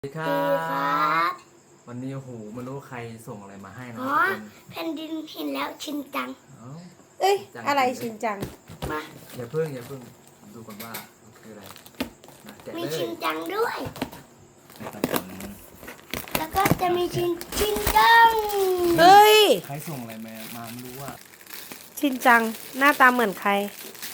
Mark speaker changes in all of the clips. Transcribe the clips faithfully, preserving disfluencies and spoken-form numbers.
Speaker 1: สวัสดีครั
Speaker 2: ดีครับ บ
Speaker 1: วันนี้โอ้โหไม่รู้ใครส่งอะไรมาให้นะ
Speaker 2: อ๋
Speaker 1: ทุ
Speaker 2: อก
Speaker 1: คน
Speaker 2: แผ่นดินเห็นแล้วชินจัง
Speaker 1: เอ้า
Speaker 3: เอ้ย
Speaker 1: จัง
Speaker 3: อะไร
Speaker 1: จริง
Speaker 3: ชินจัง
Speaker 2: มา
Speaker 1: อย่าเพิ่งอย่าเพิ่งดูก่อนว่ามันคืออะไรนะแกะ
Speaker 2: มี
Speaker 1: เลย
Speaker 2: ชินจังด้วย แล้วก็จะมีชินชินจัง
Speaker 3: เฮ้ย
Speaker 1: ใครส่งอะไรมามาไม่รู้ว่า
Speaker 3: ชินจัง หน้าตาเหมือนใคร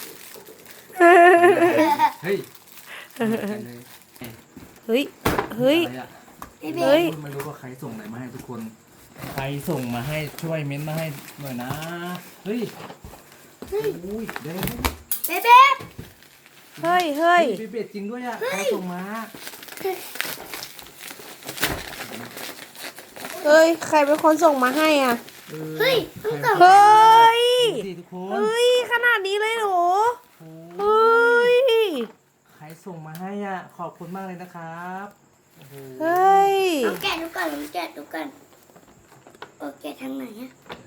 Speaker 1: เฮ้ยเหมือนกันเลย
Speaker 3: เฮ้ย เฮ้ย
Speaker 1: อะไรอะ
Speaker 2: เฮ้ย
Speaker 3: เฮ้ย
Speaker 1: ไม่รู้ว่าใครส่งอะไรมาให้ทุกคน ใครส่งมาให้ช่วยเม้นต์มาให้หน่อยนะ เฮ้ยเฮ้ยอุ้ยเด้
Speaker 2: เบ๊เบ๊
Speaker 3: เฮ้ย เฮ้ย
Speaker 1: เฮ้ยเบ็ดจริงด้วยอะใครส่งมา
Speaker 3: เฮ้ย ใครเป็นคนส่งมาให้อ่ะ
Speaker 1: ออ
Speaker 2: เฮ้ยเพิ่งส่ง
Speaker 3: เฮ้ย
Speaker 1: ดูสิทุกคน
Speaker 3: เฮ้ย ขนาดนี้เลยเหรอ
Speaker 1: โอ้
Speaker 3: เฮ้
Speaker 1: ย
Speaker 3: ย
Speaker 1: ใครส่งมาให้อ่ะ ขอบคุณมากเลยนะครับโอ้โห
Speaker 3: เฮ้ย
Speaker 2: ลองแกะดูก่อนลองแกะดูก่อนโอแกะทางไหนอะ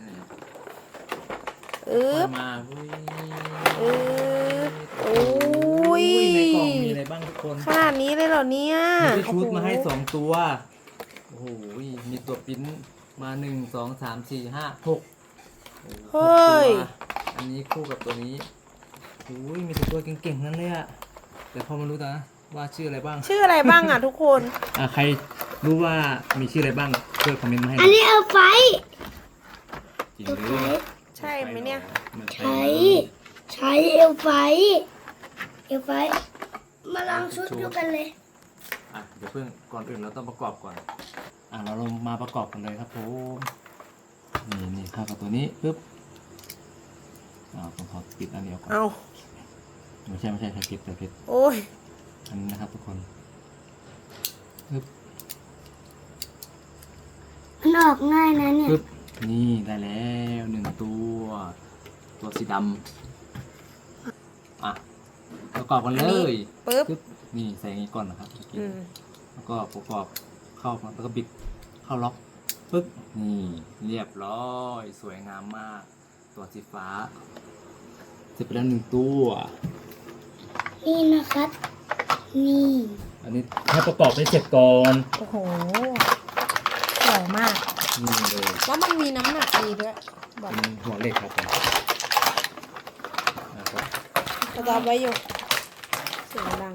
Speaker 3: อึ๊บ
Speaker 1: มาอุ้ย
Speaker 3: อึ๊บโอ้ย
Speaker 1: ในกล่องมีอะไรบ้างทุกคน
Speaker 3: ขนาดนี้เลยเหรอเนี่ย
Speaker 1: มีชุดมาให้สองตัว โอ้โห มีตัวปริ้นมาหนึ่งสองสามสี่ห้าหกโอ้โห
Speaker 3: เฮ้ย
Speaker 1: หกตัวอันนี้คู่กับตัวนี้โอ้ยมีแต่ตัวเก่งๆนั่นเลยอะแต่พอมารู้นะว่าชื่ออะไรบ้าง
Speaker 3: ชื่ออะไรบ้างอ่ะทุกคน
Speaker 1: อ่ะใครรู้ว่ามีชื่ออะไรบ้างช่วยคอมเมนต์มาให้ห
Speaker 2: อั
Speaker 1: น่
Speaker 2: น
Speaker 1: อย
Speaker 2: นี้เอาไฟ
Speaker 1: จริง
Speaker 2: เอา
Speaker 1: ห
Speaker 2: ไฟ
Speaker 1: รือ
Speaker 3: ใช่ไหมเนี่ย
Speaker 1: มัน
Speaker 2: ใช้ใช้เอลไฟเอลไฟมาลองชุดดูกันเลย
Speaker 1: อ่ะเดี๋ยวเพิ่งก่อนอื่นเราต้องประกอบก่อน อ่ะเราลงมาประกอบกันเลยครับผมนี่นี่เข้ากับตัวนี้ปึ๊บอ่าผมขอปิดอันนี้ออกก่อน
Speaker 3: เอา
Speaker 1: ไม่ใช่ไม่ใช่ใช้ปิดใช้ปิด
Speaker 3: โอ้ย
Speaker 1: อันนี้นะครับทุกคนปึ๊บ
Speaker 2: มันออกง่ายนะเนี่ย
Speaker 1: ปึ๊บนี่ได้แล้วหนึ่งตัว ตัวสีดำอ่ะประกอบกันเลย
Speaker 3: ปึ๊บ
Speaker 1: ปึ๊บนี่ใส่อย่างนี้ก่อนนะครับเมื่อกี้
Speaker 3: อืม
Speaker 1: แล้วก็ประกอบเข้าแล้วก็บิดเข้าล็อกปึ๊บนี่เรียบร้อยสวยงามมาก ตัวสีฟ้าเสร็จไปแล้วหนึ่งตัว
Speaker 2: นี่นะครับ นี่
Speaker 1: อันนี้ให้ประกอบให้เสร็จก่อน
Speaker 3: โอ้โหสวยมาก
Speaker 1: นี่เลย
Speaker 3: แล้วมันมีน้ำหนักดีด้วยแบบ
Speaker 1: เป็นหัวเหล็กครับผมแล้วก็
Speaker 3: สต็อปไว้อยู่เสียงดัง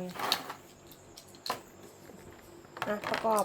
Speaker 3: อ่ะประกอบ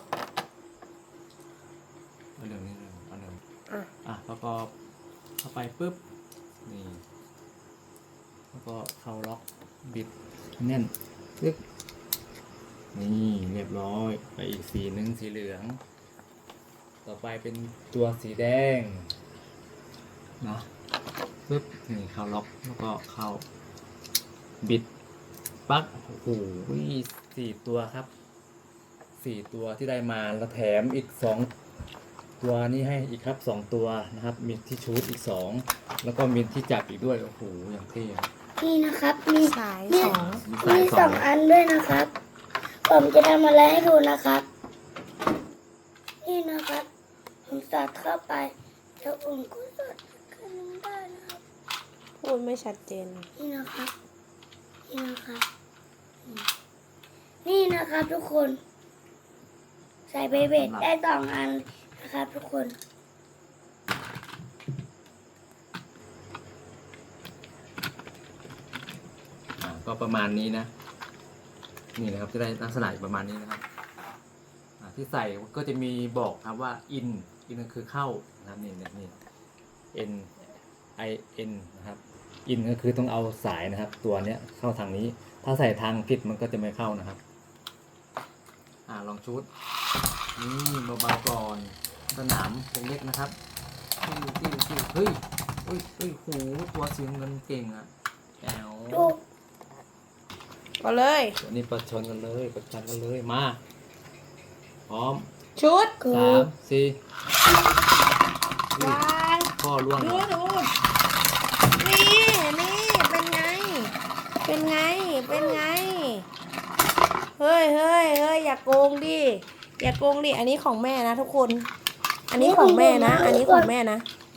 Speaker 1: เอาเร็วนิดนึงเอาเร็ว
Speaker 3: อ่ะ
Speaker 1: อ่ะประกอบเข้าไปปุ๊บนี่แล้วก็เข้าล็อกบิดแน่นปึ๊บนี่เรียบร้อยไปอีกสีหนึ่งสีเหลือง ต่อไปเป็นตัวสีแดงนะปึ๊บนี่เข้าล็อกแล้วก็เข้าบิดปลั๊กโอ้โหสี่ตัวครับสี่ตัวที่ได้มาแล้วแถมอีกสองตัวนี้ให้อีกครับสองตัวนะครับมีที่ชูดอีกสองแล้วก็มีที่จับอีกด้วยโอ้โหอย่างเท่อะ
Speaker 2: นี่นะครับ มี
Speaker 3: สาย
Speaker 2: มี
Speaker 3: สอง
Speaker 2: มีสองอันด้วยนะครับ ผมจะทำอะไรให้ดูนะครับ นี่นะครับผมสอดเข้าไปแล้วผมก็สอดขึ้นได้นะครับ
Speaker 3: พูดไม่ชัดเจน
Speaker 2: นี่นะครับ นี่นะครับอืมนี่นะครับทุกคน ใส่เบเบ็ดได้สองอันนะครับทุกคน
Speaker 1: อ่าก็ประมาณนี้นะ นี่นะครับจะได้ลักษณะประมาณนี้นะครับอ่าที่ใส่ก็จะมีบอกครับว่า in in ก็คือเข้านะครับนี่นี่นี่ n i n นะครับ in ก็คือต้องเอาสายนะครับ ตัวเนี้ยเข้าทางนี้ ถ้าใส่ทางผิดมันก็จะไม่เข้านะครับ อ่าลองชุดนี่เบาๆก่อนสนามเล็กๆนะครับติ้วติ้วติ้วเฮ้ยเฮ้ยเฮ้ยโหตัวสีเงินเก่งอะแอว
Speaker 2: ดู
Speaker 3: ก็เลย
Speaker 1: ตัวนี้ประชนกันเลยประชันกันเลยมาพร้อม
Speaker 3: ชุด
Speaker 2: กู
Speaker 1: สามสี่
Speaker 3: วาง
Speaker 1: ข้อล่วง
Speaker 3: ดูดูนี่นี่เป็นไง เป็นไง เป็นไง เฮ้ยเฮ้ยเฮ้ยอย่าโกงดิ อย่าโกงดิ อันนี้ของแม่นะทุกคน อันนี้ของแม่นะ อันนี้ของแม่นะ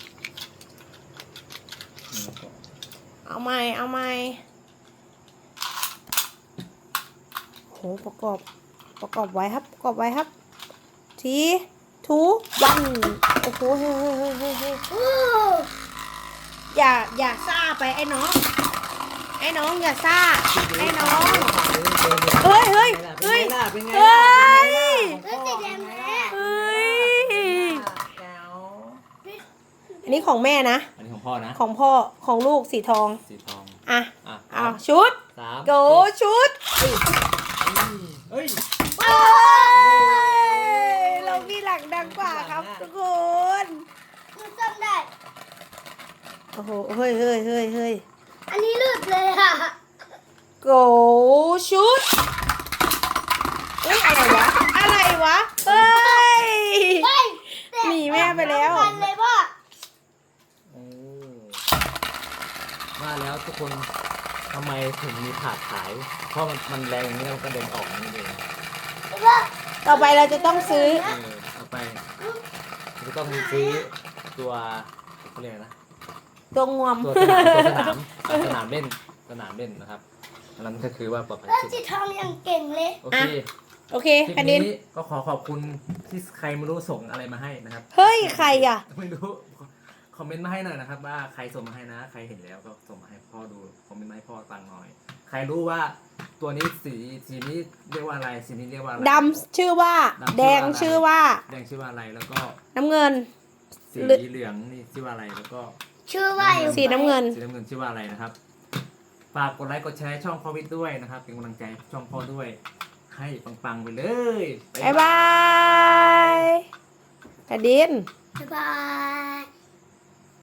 Speaker 3: เอาใหม่ เอาใหม่โหประกอบ ปประกอบไว้ครับประกอบไว้ครับทีทูวันโอ้โหเฮ้ยเฮ้ยเฮ้ยเฮ้ยเฮ้ย
Speaker 2: โอ้
Speaker 3: อย่าอย่าซ่าไปไอ้น้องไอ้น้องอย่าซ่าไอ้น้องเฮ้ยเฮ้ยเฮ้ย
Speaker 1: เป็นไง
Speaker 3: เฮ้ย
Speaker 2: แล้วสีแดงแม่
Speaker 3: เฮ้ย
Speaker 1: แก้ว
Speaker 3: อันนี้ของแม่นะ
Speaker 1: อันนี้ของพ่อนะ
Speaker 3: ของพ่อของลูกสีทอง
Speaker 1: สีทอง
Speaker 3: อ่ะ
Speaker 1: อ่ะ
Speaker 3: เอาชุด
Speaker 1: สาม
Speaker 3: โกชุด
Speaker 1: เฮ้ย
Speaker 3: เอ้ยเรามีหลังดังกว่าครับทุกคน
Speaker 2: หนูจำได้
Speaker 3: โอ้โหเฮ้ยเฮ้ยเฮ้ยเฮ้ย
Speaker 2: อันนี้หลุดเลยค่ะ
Speaker 3: โกชุดเอ้ยอะไรวะอะไรวะเฮ้ย
Speaker 2: เฮ้ย
Speaker 3: หนีแม่ไปแล้ว
Speaker 2: ต่กันเลยพ่อ
Speaker 1: โอ้ว่าแล้วทุกคนทำไมถึงมีถาดขาย เพราะมันมันแรงอย่างนี้แล้วก็เดินออกนี่เอง
Speaker 2: พ่อ
Speaker 3: ต่อไปเราจะต้องซื้อ
Speaker 1: เออเอาไปจะต้องซื้อตัวเขาเรียกอะไรนะ
Speaker 3: ตัวงวม
Speaker 1: ตัวสนามตัวสนามอ่ะสนามเล่นสนามเล่นนะครับอันนั้นก็คือว่าปลอดภัย
Speaker 2: แล้ว
Speaker 1: สุด
Speaker 2: สีทองยังเก่งเลย
Speaker 1: โอเค
Speaker 3: โอเค
Speaker 1: คลิป
Speaker 3: แผ่นดิน
Speaker 1: นี้ก็ขอขอบคุณที่ใครไม่รู้ส่งอะไรมาให้นะครับ
Speaker 3: เฮ้ยใครอ่ะ
Speaker 1: ไม่รู้คอมเมนต์มาให้หน่อยนะครับ ว่าใครส่งมาให้นะ ใครเห็นแล้วก็ส่งมาให้พ่อดูคอมเมนต์มาให้พ่อฟังหน่อย ใครรู้ว่าตัวนี้สีสีนี้เรียกว่าอะไรสีนี้เรียกว่าอะไร
Speaker 3: ดำชื่อว่า
Speaker 1: ดำชื่อว่า
Speaker 3: แดงชื่อว่า
Speaker 1: แดงชื่อว่าอะไรแล้วก็
Speaker 3: น้ำเงิน
Speaker 1: สี
Speaker 3: เหลือง
Speaker 1: เหลืองนี่ชื่อว่าอะไรแล้วก็
Speaker 2: ชื่อว่าอยู่
Speaker 3: สีน้ำเงิน
Speaker 1: สีน้ำเงินชื่อว่าอะไรนะครับ ฝากกดไลค์กดแชร์ช่องพ่อวิทย์ด้วยนะครับ เป็นกำลังใจให้ช่องพ่อด้วย ให้ปังๆไปเลย
Speaker 3: บ๊ายบายแผ่นดิน
Speaker 2: บ๊ายบาย